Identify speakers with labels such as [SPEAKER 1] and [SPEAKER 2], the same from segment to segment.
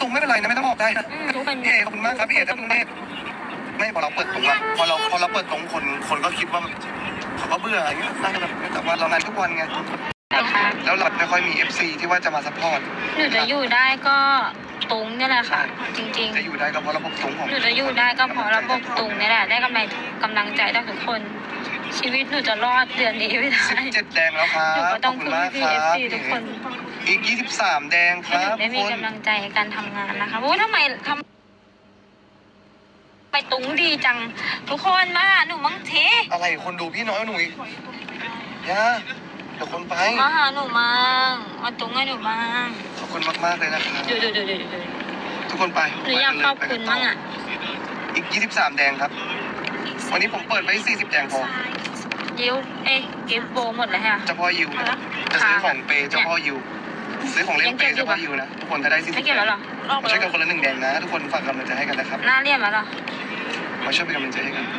[SPEAKER 1] ตรงไม่เป็นไรนะไม่ต้องออกได้นะ
[SPEAKER 2] ทุกคน
[SPEAKER 1] พี่เอขอบคุณมากครับพี่เอท่านกรุงเทพไม่พอเราเปิดตรงอะพอเราเปิดตรงคนก็คิดว่าเขาก็เบื่ออย่างเงี้ยแต่ว่าเรางานทุกวันไงแล้วเราไม่ค่อยมี FC ที่ว่าจะมาซัพพอร์ต
[SPEAKER 2] หนูจะอยู่ได้ก็ตุงนี่แหละค่ะ จริงๆ
[SPEAKER 1] จะอยู่ได้ก็เพราะระบบตรงของ
[SPEAKER 2] หนูจะอยู่ได้ก็เพราะระบบตุงนี่แหละได้กำลังใจจากทุกคน ชีวิตหนูจะรอดเดือนนี้ไม่ได้
[SPEAKER 1] 17แดงแล้วครับ
[SPEAKER 2] หนูก็ต้องพึ่งพี่เอฟซีทุกคน
[SPEAKER 1] อีก23แดงค
[SPEAKER 2] ให้ห
[SPEAKER 1] รั
[SPEAKER 2] นู
[SPEAKER 1] บ
[SPEAKER 2] ได้มีกำลังใจในการทำงานนะคะโอ้ทำไมไปตุงดีจังทุกคนมาหาหนูมั้งที
[SPEAKER 1] อะไรคนดูพี่น้อยหนุ่ยย่าเดี๋ยวคนไป
[SPEAKER 2] มาหาหนูมั้งมาตุงให้หนูมั้ง
[SPEAKER 1] ขอบคุณมากๆเลยนะครับ
[SPEAKER 2] ดู
[SPEAKER 1] ทุกคนไป
[SPEAKER 2] หนูอยากขอบคุณมั้งอ่ะ
[SPEAKER 1] อีก23แดงครับวันนี้ผมเปิดไว้40แดงพอ
[SPEAKER 2] ยิวกิฟโบหมดเลยค่ะ
[SPEAKER 1] เจ้าพ่อยิวนะจะซื้อของเปย์เจ้าพ่อยิวซื้อของเล่นเปย์เจ้าพ่อยิวนะทุกคนถ้าได้40
[SPEAKER 2] ไม่เก็บแล้วหรอ
[SPEAKER 1] มาช่วยกันคนละ1แดงนะทุกคนฝากกำลังใจให้กันนะครับ
[SPEAKER 2] หน้าเรียบแล้วหรอ
[SPEAKER 1] มาช่วยเป็นกำลังใจให้กัน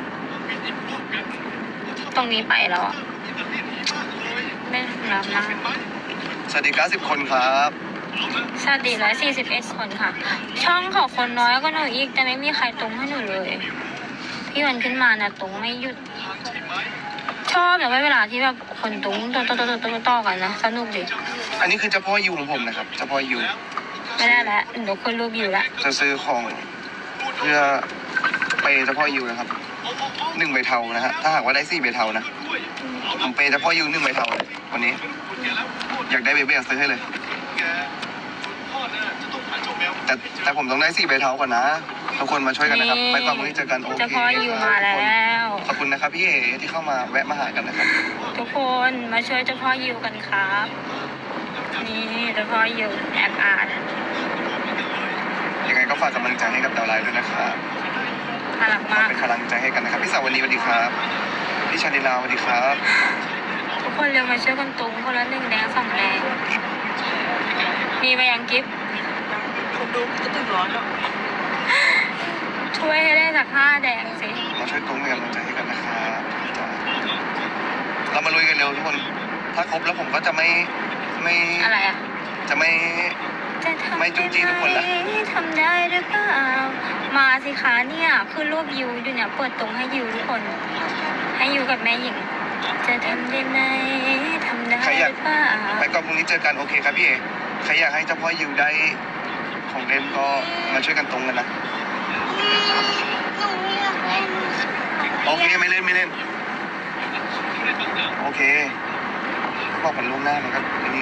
[SPEAKER 2] ตรงนี้ไปแล้วอ่ะไม่รับนะ
[SPEAKER 1] สวัสดี90คนครับ
[SPEAKER 2] สวัสดี141 คนค่ะ ช่องของคนน้อยก็หนูอีกแต่ไม่มีใครตรงให้หนูเลยพี่วันขึ้นมานะตรงไม่หยุดชอบแบบว่าเวลาที่แบบคนตรงต่อกันนะสนุกดี
[SPEAKER 1] อันนี้คือเจ้าพ่อยิวของผมนะครับเจ้าพ่อยิว
[SPEAKER 2] ไม่ได้แล้วหนูคนรูปอยู่แล้ว
[SPEAKER 1] จะซื้อของเพื่อเปย์เจ้าพ่อยิวนะครับ1ใบเทานะฮะถ้าหากว่าได้4ใบเทานะผมเปย์เจ้าพ่อยิว1ใบเทาเลยวันนี้อยากได้เบเบ้ซื้อให้เลยแต่ผมต้องได้4ใบเทาก่อนนะทุกคนมาช่วยกันนะครับไปก่อนวันนี้เจอกันโอเค
[SPEAKER 2] เจ้าพ่ออยู่มาแล้ว
[SPEAKER 1] ขอบคุณนะครับพี่เอที่เข้ามาแวะมาหากันนะครับ
[SPEAKER 2] ทุกคนมาช่วยเจ้าพ่อยิวกันครับนี่เจ้าพ่อยิวแอบอ่าน
[SPEAKER 1] ยังไงก็ฝากกำลังใจให้กับดาวไลน์ด้วยนะครับ
[SPEAKER 2] น่ารักมาก
[SPEAKER 1] เป็นกำลังใจให้กันนะครับพี่สาววันนี้สวัสดีครับพี่ชาลิลาสวัสดีครับ
[SPEAKER 2] ทุกคนเร็วมาช่วยกันตุงคนละ1แดง2แดงมีไปยังกิฟต์
[SPEAKER 3] คนดูจะถึงร้อนแล้ว
[SPEAKER 2] ช่วยให้ได้สัก5แดงสิ
[SPEAKER 1] มาช่วยตุ้งเป็นกำลังใจให้กันนะครับเรามาลุยกันเร็วทุกคนถ้าครบแล้วผมก็จะไม่
[SPEAKER 2] อะไรอ่ะ
[SPEAKER 1] จะไม่
[SPEAKER 2] จะทำ
[SPEAKER 1] ไม่จุ๊จี้ทุกคนละ
[SPEAKER 2] ทำได้หรือเปล่ามาสิคะเนี่ยคือรูปยูอยู่เนี่ยเปิดตรงให้ยูทุกคน ให้ยูกับแม่หญิง จะทำได้ไหมทำได้หรือเปล่า
[SPEAKER 1] ไปก่อนพรุ่งนี้เจอกันโอเคครับพี่เอใครอยากให้เจ้าพ่อยิวได้ของเล่นก็มาช่วยกันตรงกันนะโอเคไม่เล่นโอเคบอกมันล่วงหน้ามันก็นี่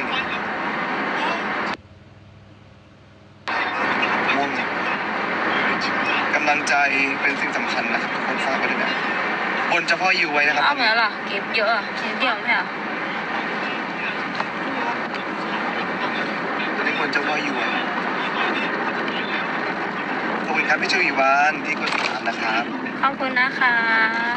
[SPEAKER 1] ม่วงกำลังใจเป็นสิ่งสำคัญนะครับทุกคนฝากไว้ด้วยนะบนเจ้าพ่อยิวไว้นะครับ
[SPEAKER 2] เอาเหมือนเหรอเก็บเยอะอ่ะชิ้นเดียวไม่ใช่เหรอ
[SPEAKER 1] ตอนนี้บนเจ้าพ่อยิวไว้ขอบคุณครับพี่ชูอีวานที่กดติดตามนะครับ
[SPEAKER 2] ขอบคุณนะคะ